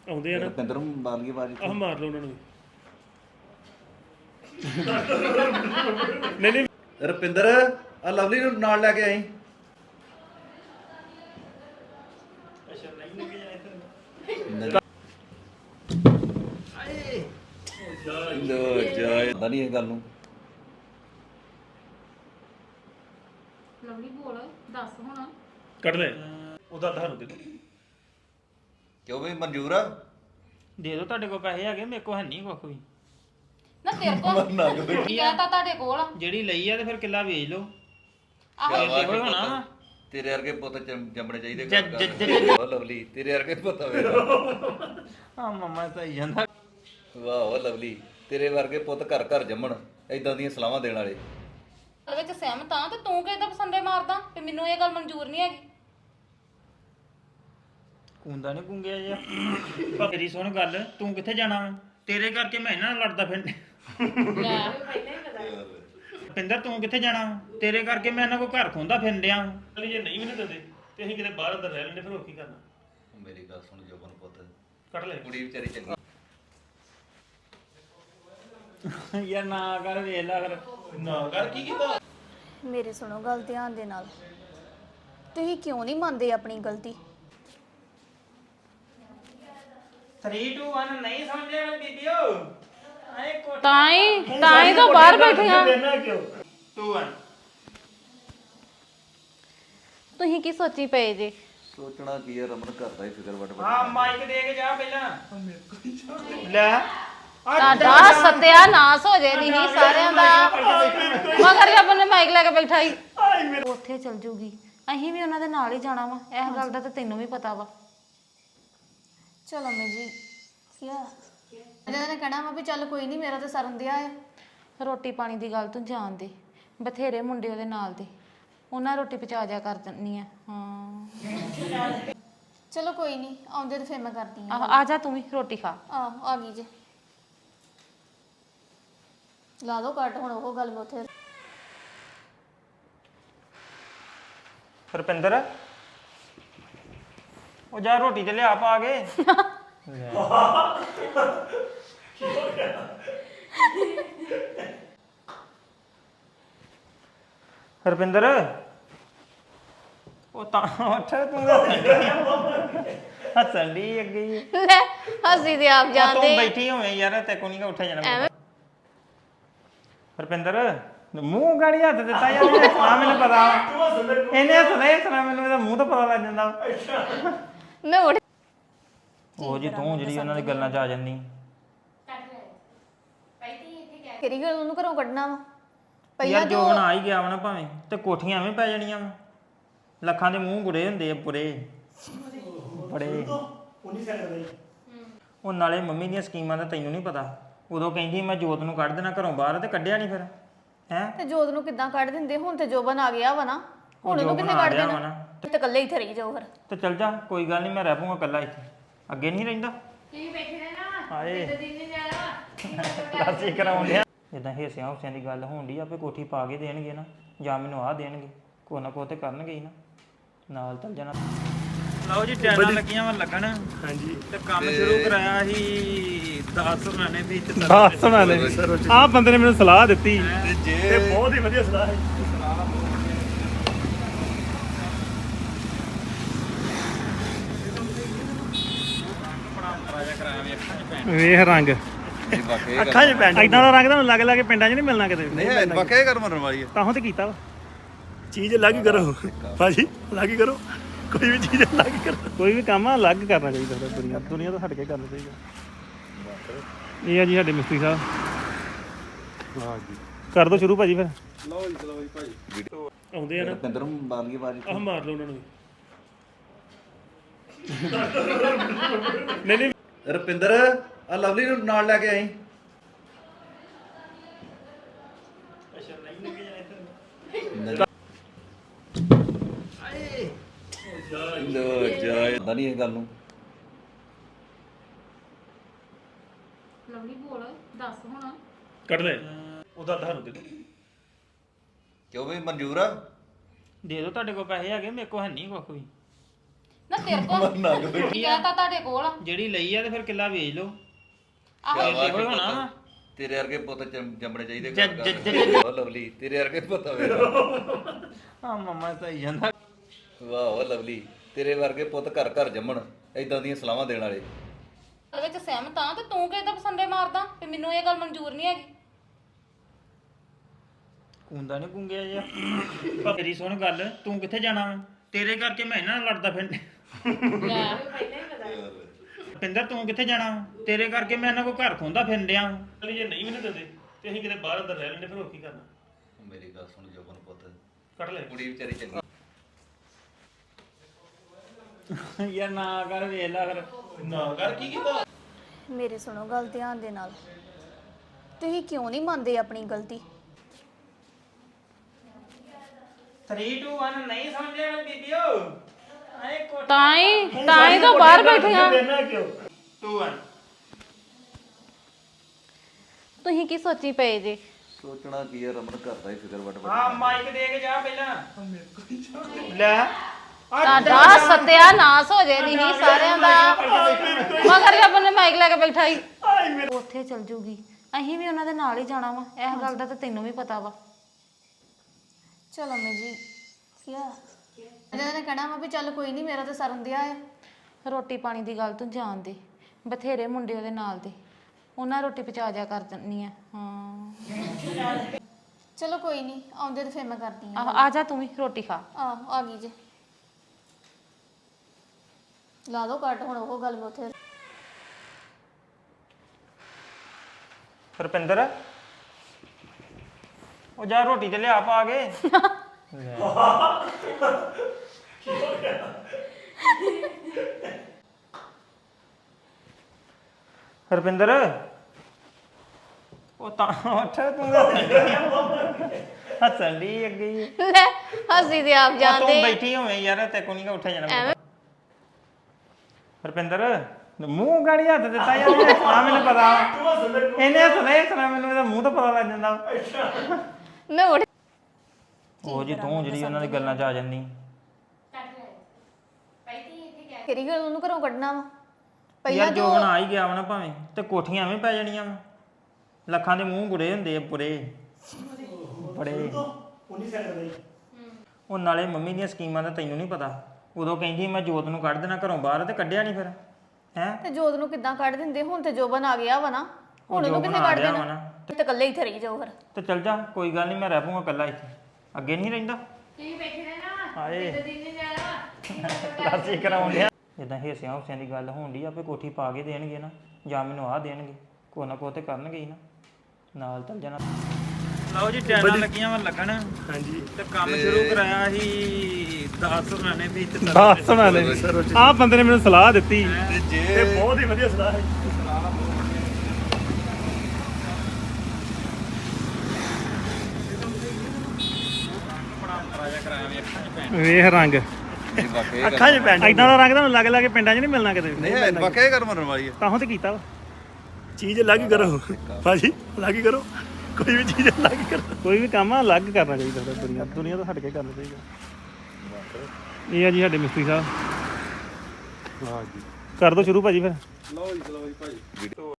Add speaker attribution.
Speaker 1: ਆਉਂਦੇ ਆ ਨਾ
Speaker 2: ਰੁਪਿੰਦਰ ਨੂੰ ਮਾਰ ਲਈ ਆਵਾਜ਼
Speaker 1: ਆਹ ਮਾਰ ਲਓ ਉਹਨਾਂ ਨੂੰ ਨਹੀਂ ਨਹੀਂ
Speaker 2: ਰੁਪਿੰਦਰ ਆ ਲਵਲੀ ਨੂੰ ਨਾਲ ਲੈ ਕੇ ਆਈ ਲੋ ਜਾਏ ਪਤਾ ਨਹੀਂ ਇਹ ਗੱਲ ਨੂੰ
Speaker 3: ਲਵਲੀ ਬੋਲ ਦੱਸ ਹੁਣ
Speaker 1: ਕੱਢ ਲੈ ਉਹਦਾ ਤੁਹਾਨੂੰ ਦੇ ਦਿਓ।
Speaker 2: ਕਿਉਂ ਵੀ ਮਨਜ਼ੂਰ ਆ
Speaker 4: ਦੇ ਦਿਓ ਤੁਹਾਡੇ ਕੋਲ ਪੈਸੇ ਹੈਗੇ ਮੇਰੇ ਕੋਲ ਹੈ ਨਹੀਂ ਕੁੱਖ ਵੀ
Speaker 3: ਨਾ ਤੇਰੇ ਕੋਲ ਕੀ ਕਹਤਾ ਤੁਹਾਡੇ ਕੋਲ
Speaker 4: ਜਿਹੜੀ ਲਈ ਆ ਤੇ ਫਿਰ ਕਿੱਲਾ ਵੇਚ ਲਓ
Speaker 3: ਆਹੋ
Speaker 4: ਇਹੋ ਹੀ ਹੋਣਾ ਵਾ।
Speaker 2: ਤੇਰੇ ਵਰਗੇ ਪੁੱਤ ਜੰਮਣੇ ਚਾਹੀਦੇ
Speaker 4: ਜ-
Speaker 2: ਵਾਹ ਲਵਲੀ ਤੇਰੇ ਵਰਗੇ ਪੁੱਤ ਮੇਰਾ
Speaker 4: ਆ ਮੰਮਾ ਸਹੀ ਜਾਂਦਾ
Speaker 2: ਵਾਹ ਲਵਲੀ ਤੇਰੇ ਵਰਗੇ ਪੁੱਤ ਘਰ ਘਰ ਜੰਮਣ ਏਦਾਂ ਦੀਆਂ ਸਲਾਹਾਂ ਦੇਣ ਵਾਲੇ
Speaker 3: ਗੱਲ ਵਿੱਚ ਸਹਿਮਤ ਆ ਤੇ ਤੂੰ ਕਿਹਦਾ ਪਸੰਦੇ ਮਾਰਦਾ ਤੇ ਮੈਨੂੰ ਇਹ ਗੱਲ ਮਨਜ਼ੂਰ ਨਹੀਂ ਹੈਗੀ
Speaker 4: ਕੁੰਦਾ ਨਹੀਂ ਕੁੰਗਿਆ ਜਿਹਾ ਮੇਰੀ ਸੁਣ ਗੱਲ ਤੂੰ ਕਿੱਥੇ ਜਾਣਾ ਵਾ ਤੇਰੇ ਕਰਕੇ ਮੈਂ ਇਹਨਾਂ ਨਾਲ ਲੜਦਾ ਫਿਰ
Speaker 3: ਲੈ
Speaker 4: ਪਿੰਦਰ ਤੂੰ ਕਿੱਥੇ ਜਾਣਾ ਵਾ ਤੇਰੇ ਕਰਕੇ ਮੈਂ ਇਹਨਾਂ ਕੋ ਘਰ ਖੋਂਦਾ ਫਿਰਨ ਡਿਆ ਵਾਂ।
Speaker 1: ਚੱਲ ਜੇ ਨਹੀਂ ਵੀ ਨਾ ਦਿੰਦੇ ਤੇ ਅਸੀਂ ਕਿਤੇ ਬਾਹਰ ਅੰਦਰ ਰਹਿ ਲੈਂਦੇ ਫਿਰ ਹੋਰ ਕੀ ਕਰਨਾ
Speaker 2: ਮੇਰੀ ਗੱਲ ਸੁਣ ਜੋਬਨ ਪੁੱਤ
Speaker 1: ਕੱਢ ਲੈ
Speaker 2: ਕੁੜੀ ਵਿਚਾਰੀ ਚੰਗੀ
Speaker 4: ਯਾਰ ਨਾ ਕਰ ਵੇਖ ਲੈ ਫਿਰ
Speaker 1: ਨਾ ਕਰ ਕੀ ਕੀਤਾ
Speaker 5: ਮੇਰੀ ਸੁਣੋ ਗੱਲ ਧਿਆਨ ਦੇ ਨਾਲ ਤੁਸੀਂ ਕਿਉਂ ਨਹੀਂ ਮੰਨਦੇ ਆਪਣੀ ਗਲਤੀ
Speaker 4: 3 2 1 ਨਹੀਂ ਸਮਝਿਆ ਬੀਬੀਓ ਆਏ ਕੋਟ
Speaker 3: ਤਾਂ ਹੀ ਤਾਂ ਬਾਹਰ ਬੈਠੇ ਆ
Speaker 1: ਦੇਣਾ ਕਿਉਂ
Speaker 4: 2 1
Speaker 3: ਤੁਸੀਂ ਕੀ ਸੋਚੀ ਪਏ ਜੇ
Speaker 2: ਸੋਚਣਾ ਕੀ ਹੈ ਰਮਨ ਘਰ ਦਾ ਹੀ ਫਿਕਰ ਵੱਟ
Speaker 4: ਹਾਂ ਮਾਈਕ ਦੇ ਕੇ ਜਾ ਪਹਿਲਾਂ ਲੈ
Speaker 3: ਤੁਹਾਡਾ ਸਤਿਆ ਨਾਸ ਹੋ ਜੇ ਨਹੀਂ ਸਾਰਿਆਂ ਦਾ ਮਗਰ ਜਦ ਨੇ ਮਾਈਕ ਲੈ ਕੇ ਬੈਠਾ ਹੀ ਉੱਥੇ ਚਲ ਜੂਗੀ ਅਸੀਂ ਵੀ ਉਹਨਾਂ ਦੇ ਨਾਲ ਹੀ ਜਾਣਾ ਵਾ ਇਸ ਗੱਲ ਦਾ ਤਾਂ ਤੈਨੂੰ ਵੀ ਪਤਾ ਵਾ
Speaker 5: ਚਲੋ ਮੈਂ ਜੀ ਕੀ ਆ ਇਹਨਾਂ ਨੇ ਕਹਿਣਾ ਵਾ ਵੀ ਚੱਲ ਕੋਈ ਨਹੀਂ ਮੇਰਾ ਤਾਂ ਸਰਨ ਦਿਆ ਆ
Speaker 3: ਰੋਟੀ ਪਾਣੀ ਦੀ ਗੱਲ ਤੂੰ ਜਾਣ ਦੇ ਬਥੇਰੇ ਮੁੰਡੇ ਉਹਦੇ ਨਾਲ ਦੇ ਉਹਨਾਂ ਰੋਟੀ ਪਚਾ ਜਾ ਕਰ ਦਿੰਨੀ ਆ ਹਾਂ
Speaker 5: ਚਲੋ ਕੋਈ ਨਹੀਂ ਆਉਂਦੇ ਤੇ ਫਿਰ ਮੈਂ ਕਰਦੀ ਆ
Speaker 3: ਆ ਜਾ ਤੂੰ ਵੀ ਰੋਟੀ ਖਾ
Speaker 5: ਆ ਗਈ ਜੇ ਲਾ ਦੋ ਕੱਟ ਹੁਣ ਉਹ ਗੱਲ ਮੈਂ ਉੱਥੇ
Speaker 4: ਰੁਪਿੰਦਰ ਉਹ ਜਾ ਰੋਟੀ ਤੇ ਲਿਆ ਪਾ ਕੇ ਰੁਪਿੰਦਰ ਉਹ ਤਾਂ ਉੱਠ ਤੂੰ ਹੱਸਣ ਦੀ ਅੱਗੇ ਹੀ।
Speaker 3: ਲੈ ਹੱਸੀ ਤੇ ਆਪ
Speaker 4: ਉਹ
Speaker 3: ਜਾਂਦੇ
Speaker 4: ਤੂੰ ਬੈਠੀ ਹੋਵੇਂ ਯਾਰ ਤੇ ਕੋ ਨਹੀਂ ਉੱਠਿਆ ਜਾਣਾ ਰੁਪਿੰਦਰ ਮੂੰਹ ਗਾੜੀ ਹੱਥ ਦਿੱਤਾ ਯਾਰ ਆ ਮੈਨੂੰ ਪਤਾ ਇਹਨੇ ਹੱਸਣਾ ਹੀ ਹੱਸਣਾ ਮੈਨੂੰ ਇਹਦਾ ਮੂੰਹ ਤਾਂ ਪਤਾ ਲੱਗ ਜਾਂਦਾ
Speaker 3: ਮੈਂ ਉੱਠ
Speaker 4: ਉਹ ਜੀ ਤੂੰ ਜਿਹੜੀ ਉਹਨਾਂ ਦੀ ਗੱਲਾਂ 'ਚ ਆ ਜਾਂਦੀ
Speaker 5: ਕਿਹੜੀ ਗੱਲ ਉਹਨੂੰ ਘਰੋਂ ਕੱਢਣਾ ਵਾ
Speaker 4: ਯਾਰ ਜੋ ਬਣਾ ਹੀ ਗਿਆ ਵਾ ਨਾ ਭਾਵੇਂ ਤੇ ਕੋਠੀਆਂ ਐਵੇਂ ਪੈ ਜਾਣੀਆਂ ਵਾ ਲੱਖਾਂ ਦੇ ਮੂੰਹ ਗੁੜੇ ਹੁੰਦੇ ਆ ਬੁਰੇ ਬੜੇ ਉਹ ਨਾਲੇ ਮੰਮੀ ਦੀਆਂ ਸਕੀਮਾਂ ਦਾ ਤੈਨੂੰ ਨਹੀਂ ਪਤਾ ਉਦੋਂ ਕਹਿੰਦੀ ਮੈਂ ਜੋਤ ਨੂੰ ਕੱਢ ਦੇਣਾ ਘਰੋਂ ਬਾਹਰ ਤੇ ਕੱਢਿਆ ਨਹੀਂ ਫਿਰ ਹੈ
Speaker 5: ਤੇ ਜੋਤ ਨੂੰ ਕਿੱਦਾਂ ਕੱਢ ਦਿੰਦੇ ਹੁਣ ਤੇ ਜੋਬਨ ਆ ਗਿਆ ਵਾ ਨਾ ਹੁਣ ਉਹਨੂੰ ਕਿੱਥੇ
Speaker 4: ਜੋਬਨ ਆ
Speaker 5: ਕੱਢ
Speaker 4: ਗਿਆ ਵਾ
Speaker 5: ਦੇਣਾ
Speaker 4: ਨਾ।
Speaker 5: ਤੇ ਇਕੱਲੇ ਇੱਥੇ ਰਹੀ ਜਾਓ ਫਿਰ
Speaker 4: ਤੇ ਚੱਲ ਜਾ ਕੋਈ ਗੱਲ ਨਹੀਂ ਮੈਂ ਰਹਿ ਪੂੰਗਾ ਇਕੱਲਾ ਇੱਥੇ ਅੱਗੇ ਨਹੀਂ ਰਹਿੰਦਾ ਕੀ ਬੈਠੇ ਰਹਿਣਾ ਹਾਏ ਕਲਾਸੀ ਕਰਾਉਣ ਡਿਆ ਜਿੱਦਾਂ ਹਿੱਸਿਆਂ ਹੁੱਸਿਆਂ ਦੀ ਗੱਲ ਹੋਣ ਡਈ ਆਪੇ ਕੋਠੀ ਪਾ ਕੇ ਦੇਣਗੇ ਨਾ ਜਾਂ ਮੈਨੂੰ ਆਹ ਦੇਣਗੇ ਕੋ ਨਾ ਕੋ ਤੇ ਕਰਨਗੇ ਹੀ ਨਾ ਨਾਲ ਚੱਲ ਜਾਣਾ ਲਓ ਜੀ ਟੈਨਾਂ ਲੱਗੀਆਂ ਵਾ ਲੱਗਣ
Speaker 1: ਹਾਂਜੀ
Speaker 4: ਤੇ ਕੰਮ ਸ਼ੁਰੂ ਕਰਾਇਆ ਸੀ 10 ਮਹੀਨੇ ਵਿੱਚ
Speaker 1: ਸੁਣਾ ਲੈ ਆਹ ਬੰਦੇ ਨੇ ਮੈਨੂੰ ਸਲਾਹ ਦਿੱਤੀ ਤੇ ਬਹੁਤ ਹੀ ਵਧੀਆ ਸਲਾਹ ਹੈ ਵੇਖ ਰੰਗ ਅੱਖਾਂ 'ਚ ਪੈਂਦਾ ਇਦਾਂ ਦਾ ਰੰਗ ਤੁਹਾਨੂੰ ਲੱਗ ਲੱਗ ਪਿੰਡਾਂ 'ਚ ਨਹੀਂ ਮਿਲਣਾ ਕਿਤੇ
Speaker 2: ਨਹੀਂ ਵਾਕਿਆ ਕਰ ਮਰਨ ਵਾਲੀ ਹੈ
Speaker 1: ਤਾਂ ਤੇ ਕੀਤਾ ਵਾ ਚੀਜ਼ ਅਲੱਗ ਕਰੋ ਭਾਜੀ ਅਲੱਗ ਕਰੋ ਕੋਈ ਵੀ ਚੀਜ਼ ਅਲੱਗ ਕਰੋ ਕੋਈ ਵੀ ਕੰਮ ਆ ਅਲੱਗ ਕਰਨਾ ਚਾਹੀਦਾ ਦੁਨੀਆ ਤੋਂ ਹਟ ਕੇ ਕਰਨਾ ਚਾਹੀਦਾ ਇਹ ਆ ਜੀ ਸਾਡੇ ਮਿਸਤਰੀ ਸਾਹਿਬ ਹਾਂ ਜੀ ਕਰ ਦੋ ਸ਼ੁਰੂ ਭਾਜੀ ਫਿਰ ਲਓ ਜੀ ਭਾਜੀ ਆਉਂਦੇ ਆ ਨਾ
Speaker 2: ਰੁਪਿੰਦਰ ਨੂੰ ਮਾਰ ਲਈ ਆਵਾਜ਼
Speaker 1: ਆਹ ਮਾਰ ਲਓ ਉਹਨਾਂ ਨੂੰ ਨਹੀਂ ਨਹੀਂ
Speaker 2: ਰੁਪਿੰਦਰ ਆ ਲਵਲੀ ਨੂੰ ਨਾਲ ਲੈ ਕੇ ਆਈ ਲੋ ਜਾਏ ਪਤਾ ਨਹੀਂ ਇਹ ਗੱਲ ਨੂੰ
Speaker 3: ਲਵਲੀ ਬੋਲ ਦੱਸ ਹੁਣ
Speaker 1: ਕੱਢ ਲੈ ਉਹਦਾ ਤੁਹਾਨੂੰ ਦੇ ਦਿਓ।
Speaker 2: ਕਿਉਂ ਵੀ ਮਨਜ਼ੂਰ ਆ
Speaker 4: ਦੇ ਦਿਓ ਤੁਹਾਡੇ ਕੋਲ ਪੈਸੇ ਹੈਗੇ ਮੇਰੇ ਕੋਲ ਹੈ ਨਹੀਂ ਕੁੱਖ ਵੀ
Speaker 3: ਨਾ ਤੇਰੇ ਕੋਲ
Speaker 2: ਨੰਗ ਬੈਠੀ
Speaker 3: ਕਿਹਾ ਤਾਂ ਤੁਹਾਡੇ ਕੋਲ ਆ।
Speaker 4: ਜਿਹੜੀ ਲਈ ਆ ਤੇ ਫਿਰ ਕਿੱਲਾ ਵੇਚ ਲਓ
Speaker 3: ਆਹੋ
Speaker 4: ਇਹੋ ਹੀ ਹੋਣਾ ਵਾ
Speaker 2: ਤੇਰੇ ਵਰਗੇ ਪੁੱਤ ਜੰਮਣੇ ਚਾਹੀਦੇ ਘਰ ਘਰ ਲਵਲੀ ਤੇਰੇ ਵਰਗੇ ਪੁੱਤ ਮੇਰਾ
Speaker 4: ਆ ਮਮਾ ਸਹੀ ਜਾਂਦਾ
Speaker 2: ਵਾਹ ਲਵਲੀ ਤੇਰੇ ਵਰਗੇ ਪੁੱਤ ਘਰ ਘਰ ਜੰਮਣ ਇਦਾਂ ਦੀਆਂ ਸਲਾਹਾਂ ਦੇਣ ਵਾਲੇ
Speaker 3: ਇਹਦੇ ਵਿੱਚ ਸਹਿਮਤ ਆ ਤੇ ਤੂੰ ਕਿਹਦਾ ਪਸੰਦੇ ਮਾਰਦਾ ਵੀ ਮੈਨੂੰ ਇਹ ਗੱਲ ਮਨਜ਼ੂਰ ਨਹੀਂ ਹੈਗੀ।
Speaker 4: ਕੁੰਦਾ ਨਹੀਂ ਕੁੰਗਿਆ ਜਿਆ ਪਰ ਤੇਰੀ ਸੁਣ ਗੱਲ ਤੂੰ ਕਿੱਥੇ ਜਾਣਾ ਵਾ ਤੇਰੇ ਕਰਕੇ ਮੈਂ ਇਹਨਾਂ ਨਾਲ ਲੜਦਾ ਫਿਰਦਾ
Speaker 3: ਲੈ
Speaker 4: ਪਿੰਦਰ ਤੂੰ ਕਿੱਥੇ ਜਾਣਾ ਵਾ ਤੇਰੇ ਕਰਕੇ ਮੈਂ ਇਹਨਾਂ ਕੋ ਘਰ ਖੋਂਦਾ ਫਿਰਨ ਡਿਆ
Speaker 1: ਚਲ ਜੇ ਨਹੀਂ ਮੈਨੂੰ ਦਿੰਦੇ ਤੇ ਅਸੀਂ ਕਿਤੇ ਬਾਹਰ ਅੰਦਰ ਰਹਿ ਲੈਂਦੇ ਫਿਰ ਹੋਰ ਕੀ ਕਰਨਾ।
Speaker 2: ਮੇਰੀ ਗੱਲ ਸੁਣ ਜੋਬਨ ਪੁੱਤ
Speaker 1: ਕੱਢ ਲੈ
Speaker 2: ਕੁੜੀ ਵਿਚਾਰੀ ਚੰਗੀ
Speaker 4: ਯਾਰ ਨਾ ਕਰ ਵੇਖ ਲੈ ਫਿਰ
Speaker 1: ਨਾ ਕਰ ਕੀ ਕੀਤਾ
Speaker 5: ਮੇਰੀ ਸੁਣੋ ਗੱਲ ਧਿਆਨ ਦੇ ਨਾਲ। ਤੁਸੀਂ ਕਿਉਂ ਨਹੀਂ ਮੰਨਦੇ ਆਪਣੀ ਗਲਤੀ?
Speaker 4: 3 2 1 ਨਹੀਂ ਸਮਝਿਆ ਬੀਬੀਓ ਆਏ ਕੋ
Speaker 3: ਤਾਂ ਹੀ ਤਾਂ ਬਾਹਰ ਬੈਠੀਆਂ।
Speaker 1: ਦੇਣਾ ਕਿਉਂ
Speaker 4: 2 1 ਤੁਸੀਂ
Speaker 3: ਕੀ ਸੋਚੀ ਪਏ ਜੇ?
Speaker 2: ਸੋਚਣਾ ਕੀ ਹੈ ਰਮਨ ਘਰ ਦਾ ਹੀ ਫਿਕਰ ਵਟ
Speaker 4: ਹਾਂ ਮਾਈਕ ਦੇ ਕੇ ਜਾ ਪਹਿਲਾਂ ਲੈ
Speaker 3: ਤੁਹਾਡਾ ਸਤਿਆਨਾਸ਼ ਹੋ ਜੇ ਨਹੀਂ ਸਾਰਿਆਂ ਦਾ ਮਗਰ ਜਬ ਨੇ ਮਾਈਕ ਲੈ ਕੇ ਬੈਠਾ ਹੀ ਉੱਥੇ ਚਲ ਜੂਗੀ। ਅਸੀਂ ਵੀ ਉਹਨਾਂ ਦੇ ਨਾਲ ਹੀ ਜਾਣਾ ਵਾ। ਇਹ ਗੱਲ ਦਾ ਤਾਂ ਤੈਨੂੰ ਵੀ ਪਤਾ ਵਾ।
Speaker 5: ਚਲੋ ਅੰਮੀ ਜੀ ਕੀ ਆ ਇਹਨਾਂ ਨੇ ਕਹਿਣਾ ਵਾ ਵੀ ਚੱਲ ਕੋਈ ਨਹੀਂ ਮੇਰਾ ਤਾਂ ਸਰਨ ਦਿਆ ਆ।
Speaker 3: ਰੋਟੀ ਪਾਣੀ ਦੀ ਗੱਲ ਤੂੰ ਜਾਣ ਦੇ। ਬਥੇਰੇ ਮੁੰਡੇ ਉਹਦੇ ਨਾਲ ਦੇ ਉਹਨਾਂ ਰੋਟੀ ਪਚਾ ਜਾ ਕਰ ਦਿੰਨੀ ਆ। ਹਾਂ
Speaker 5: ਚਲੋ ਕੋਈ ਨਹੀਂ ਆਉਂਦੇ ਤੇ ਫਿਰ ਮੈਂ ਕਰਦੀ ਆ।
Speaker 3: ਆ ਜਾ ਤੂੰ ਵੀ ਰੋਟੀ ਖਾ।
Speaker 5: ਆ ਗਈ ਜੇ ਲਾ ਦੋ ਕੱਟ ਹੁਣ ਉਹ ਗੱਲ ਮੈਂ ਉੱਥੇ
Speaker 4: ਰੁਪਿੰਦਰ ਉਹ ਜਾ ਰੋਟੀ ਤੇ ਲਿਆ ਪਾ ਕੇ ਰੁਪਿੰਦਰ ਉਹ ਤਾਂ ਉੱਠ ਤੂੰ ਹੱਸਣ ਦੀ ਅੱਗੇ ਹੀ।
Speaker 5: ਲੈ ਹੱਸੀ ਤੇ ਆਪ
Speaker 4: ਤੂੰ
Speaker 5: ਜਾਂਦੇ
Speaker 4: ਬੈਠੀ ਹੋਵੇਂ ਯਾਰ ਤੇ ਕੋਈ ਨਹੀਂ ਉੱਠਿਆ ਜਾਣਾ ਰੁਪਿੰਦਰ ਮੂੰਹ ਗਾੜੀ ਹੱਥ ਦਿੱਤਾ ਯਾਰ ਆ ਮੈਨੂੰ ਪਤਾ ਇਹਨੇ ਹੱਸਣਾ ਮੈਨੂੰ ਇਹਦਾ ਮੂੰਹ ਤਾਂ ਪਤਾ ਲੱਗ ਜਾਂਦਾ
Speaker 5: ਮੈਂ ਉੱਠ
Speaker 4: ਉਹ ਜੀ ਤੂੰ ਜਿਹੜੀ ਉਹਨਾਂ ਦੀ ਗੱਲਾਂ 'ਚ ਆ ਜਾਂਦੀ
Speaker 5: ਕਿਹੜੀ ਗੱਲ ਉਹਨੂੰ ਘਰੋਂ ਕੱਢਣਾ ਵਾ? ਪਹਿਲਾਂ
Speaker 4: ਯਾਰ ਜੋ ਬਣਾ ਹੀ ਗਿਆ ਵਾ ਨਾ ਭਾਵੇਂ ਤੇ ਕੋਠੀਆਂ ਐਵੇਂ ਪੈ ਜਾਣੀਆਂ ਵਾ ਲੱਖਾਂ ਦੇ ਮੂੰਹ ਗੁਰੇ ਹੁੰਦੇ ਆ ਪੁਰੇ ਬੜੇ
Speaker 1: ਉਨੀ ਸਾਈਡ ਦੇ
Speaker 4: ਉਹ ਨਾਲੇ ਮੰਮੀ ਦੀਆਂ ਸਕੀਮਾਂ ਦਾ ਤੈਨੂੰ ਨਹੀਂ ਪਤਾ ਉਦੋਂ ਕਹਿੰਦੀ ਮੈਂ ਜੋਤ ਨੂੰ ਕੱਢ ਦੇਣਾ ਘਰੋਂ ਬਾਹਰ ਤੇ ਕੱਢਿਆ ਨਹੀਂ ਫਿਰ ਹੈ
Speaker 5: ਤੇ ਜੋਤ ਨੂੰ ਕਿੱਦਾਂ ਕੱਢ ਦਿੰਦੇ? ਹੁਣ ਤੇ ਜੋਬਨ ਆ ਗਿਆ ਵਾ ਨਾ, ਹੁਣ ਉਹਨੂੰ ਕਿੱਥੇ ਕੱਢ ਦੇਣਾ? ਤੇ ਇਕੱਲੇ ਇੱਥੇ ਰਹੀ ਜਾਓ ਫਿਰ।
Speaker 4: ਤੇ ਚੱਲ ਜਾ ਕੋਈ ਗੱਲ ਨਹੀਂ ਮੈਂ ਰਹਿ ਪੂੰਗਾ ਇਕੱਲਾ ਇੱਥੇ ਅੱਗੇ ਨਹੀਂ ਰਹਿੰਦਾ ਤੁਸੀਂ ਬੈਠੇ ਰਹਿਣਾ ਹਾਏ ਕਲਾਸੀ ਕਰਾਉਂਦੇ ਆ ਜਿੱਦਾਂ ਹਿੱਸਿਆਂ ਹੁੱਸਿਆਂ ਦੀ ਗੱਲ ਹੋਣ ਡਈ ਆਪੇ ਕੋਠੀ ਪਾ ਕੇ ਦੇਣਗੇ ਨਾ ਜਾਂ ਮੈਨੂੰ ਆਹ ਦੇਣਗੇ ਕੋ ਨਾ ਕੋ ਤੇ ਕਰਨਗੇ ਹੀ ਨਾ ਨਾਲ ਚੱਲ ਜਾਣਾ। ਲਓ ਜੀ ਟੈਨਾਂ ਲੱਗੀਆਂ ਵਾ ਲੱਗਣ
Speaker 1: ਹਾਂਜੀ
Speaker 4: ਤੇ ਕੰਮ ਸ਼ੁਰੂ ਕਰਾਇਆ ਸੀ 10 ਸੁਣਾਣੇ ਵੀ ਤੇ
Speaker 1: ਬਾਤ ਸੁਣਾ ਲੈ ਆਹ ਬੰਦੇ ਨੇ ਮੈਨੂੰ ਸਲਾਹ ਦਿੱਤੀ ਤੇ ਬਹੁਤ ਹੀ ਵਧੀਆ ਸਲਾਹ ਹੈ। ਵੇਖ ਰੰਗ ਅੱਖਾਂ 'ਚ ਪੈਂਦਾ ਇਦਾਂ ਦਾ ਰੰਗ ਤੁਹਾਨੂੰ ਲੱਗ ਲੱਗ ਪਿੰਡਾਂ 'ਚ ਨਹੀਂ ਮਿਲਣਾ ਕਿਤੇ
Speaker 2: ਨਹੀਂ ਵਾਕਿਆ ਕਰ ਮਰਨ ਵਾਲੀ ਹੈ
Speaker 1: ਤਾਂ ਤੇ ਕੀਤਾ ਵਾ ਚੀਜ਼ ਅਲੱਗ ਹੀ ਕਰੋ ਭਾਜੀ ਅਲੱਗ ਹੀ ਕਰੋ ਕੋਈ ਵੀ ਚੀਜ਼ ਅਲੱਗ ਹੀ ਕਰੋ ਕੋਈ ਵੀ ਕੰਮ ਅਲੱਗ ਕਰਨਾ ਚਾਹੀਦਾ ਦੁਨੀਆ ਤੋਂ ਹਟ ਕੇ ਕਰਨਾ ਚਾਹੀਦਾ। ਇਹ ਆ ਜੀ ਸਾਡੇ ਮਿਸਤਰੀ ਸਾਹਿਬ। ਹਾਂ ਜੀ ਕਰ ਦੋ ਸ਼ੁਰੂ ਭਾਜੀ ਫਿਰ।
Speaker 2: ਲਓ ਜੀ ਭਾਜੀ